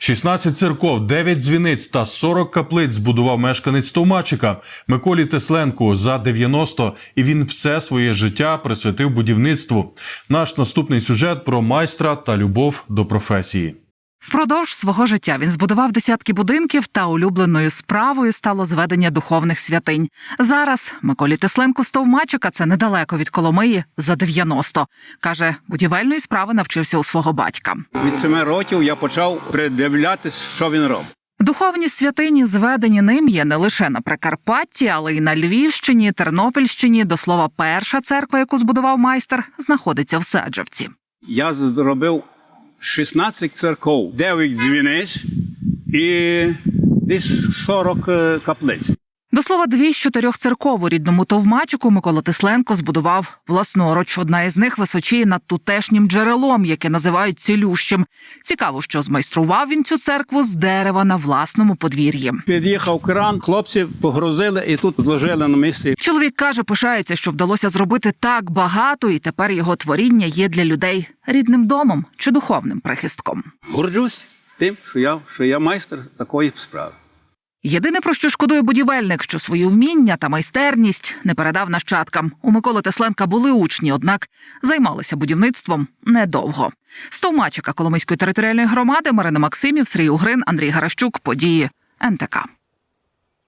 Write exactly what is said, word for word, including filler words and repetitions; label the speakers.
Speaker 1: шістнадцять церков, дев'ять дзвіниць та сорок каплиць збудував мешканець Товмачика Миколі Тесленку за дев'яносто, і він все своє життя присвятив будівництву. Наш наступний сюжет про майстра та любов до професії.
Speaker 2: Впродовж свого життя він збудував десятки будинків, та улюбленою справою стало зведення духовних святинь. Зараз Миколі Тесленку з Товмачика, це недалеко від Коломиї, за дев'яносто. Каже, будівельної справи навчився у свого батька.
Speaker 3: Від семи років я почав придивлятись, що він робить.
Speaker 2: Духовні святині, зведені ним, є не лише на Прикарпатті, але й на Львівщині, Тернопільщині. До слова, перша церква, яку збудував майстер, знаходиться в Седжевці.
Speaker 3: Я зробив шістнадцять церков, дев'ять дзвіниць і десь сорок каплиць.
Speaker 2: До слова, дві з чотирьох церков у рідному Товмачику Микола Тесленко збудував власноруч. Одна із них височіє над тутешнім джерелом, яке називають цілющим. Цікаво, що змайстрував він цю церкву з дерева на власному подвір'ї.
Speaker 3: Під'їхав кран, хлопці погрузили і тут зложили на місці.
Speaker 2: Чоловік каже, пишається, що вдалося зробити так багато, і тепер його творіння є для людей рідним домом чи духовним прихистком.
Speaker 3: Горджусь тим, що я, що я майстер такої справи.
Speaker 2: Єдине, про що шкодує будівельник, що свої вміння та майстерність не передав нащадкам. У Миколи Тесленка були учні, однак займалися будівництвом недовго. З Товмачика Коломийської територіальної громади Марина Максимів, Сергій Угрин, Андрій Гаращук. Події ен те ка.